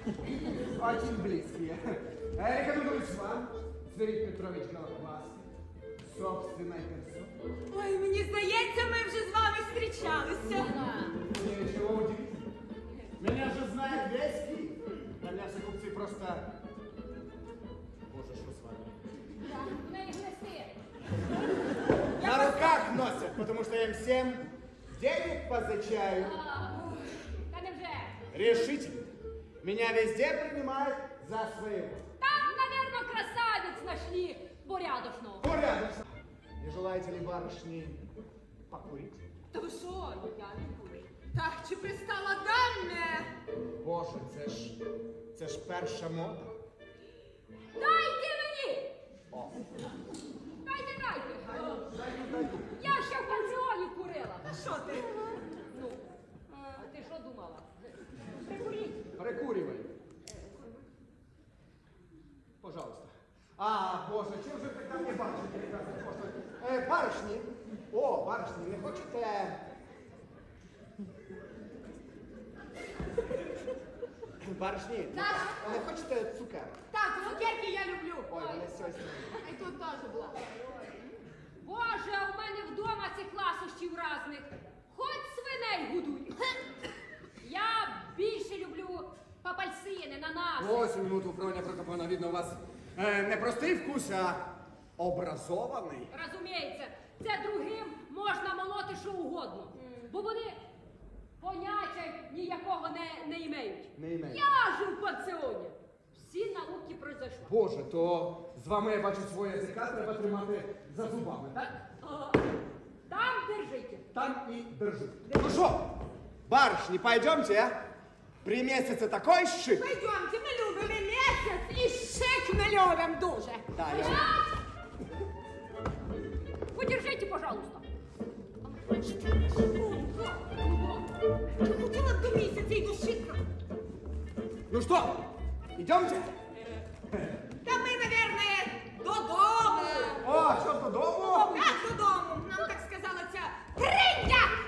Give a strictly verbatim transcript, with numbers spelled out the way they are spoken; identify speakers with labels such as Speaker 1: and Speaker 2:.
Speaker 1: Очень близкие. Рекомендую с вам, Зверит Петрович Голохвастый, собственной персоной.
Speaker 2: Ой, мені здається, ми вже з вами зустрічалися.
Speaker 1: Ничего удивительного. Меня же знает весь Киев. Для меня все купцы просто... Боже, что с вами? На руках носят, потому что я им всем денег позычаю.
Speaker 3: Та невже?
Speaker 1: Решительно. Меня везде принимают за своего.
Speaker 3: Там, наверное, красавиц нашли порядочного.
Speaker 1: Порядочно. Не желаете ли, барышни, покурить?
Speaker 2: Та ви що, я не курю. Так, чи пристала даме?
Speaker 1: Боже, це ж, це ж перша мода.
Speaker 3: Дайте мені!
Speaker 1: О,
Speaker 3: Дайте, дайте!
Speaker 1: даю, даю.
Speaker 3: Я ще в пансіоні курила.
Speaker 2: Що ти?
Speaker 3: Ну, а ти що думала? Прикуріть.
Speaker 1: Прикуривай. Пожалуйста. А, Боже, чим же ти там не бачите, прекрасна Боже? Е, барышні. О, барышні, не хочете... Барышні, не
Speaker 2: Так.
Speaker 1: хоч- не хочете цукерок?
Speaker 2: Так, цукерки я люблю.
Speaker 1: Ой, вони сьогодні.
Speaker 2: А й тут теж була.
Speaker 3: Боже, а у мене вдома цих ласощів разних. Хоч свиней годуй. Я більше люблю папальсини, нанаси.
Speaker 1: Ось минуту, Броня Прокопівна, видно, у вас е, не простий вкус, а образований.
Speaker 3: Розуміється, це другим можна молоти що угодно. Бо вони поняття ніякого не, не імеють.
Speaker 1: Не імеють.
Speaker 3: Я ж у пансіоні. Всі науки пройшли.
Speaker 1: Боже, то з вами, я бачу, свого язика треба тримати за зубами, так?
Speaker 3: Ага. Там держите.
Speaker 1: Там и держи. Ну что, барышни, пойдемте, а? При месяце такой шик.
Speaker 2: Пойдемте, ми любимо місяць і шик ми любимо дуже.
Speaker 1: Да, я...
Speaker 3: Стоять! Подержите, пожалуйста.
Speaker 2: Я хотіла б до місяця і до шика.
Speaker 1: Ну что, идемте?
Speaker 2: Та ми, наверное, додому.
Speaker 1: О, что, додому?
Speaker 2: Так, додому. Нам так сказала ця триння.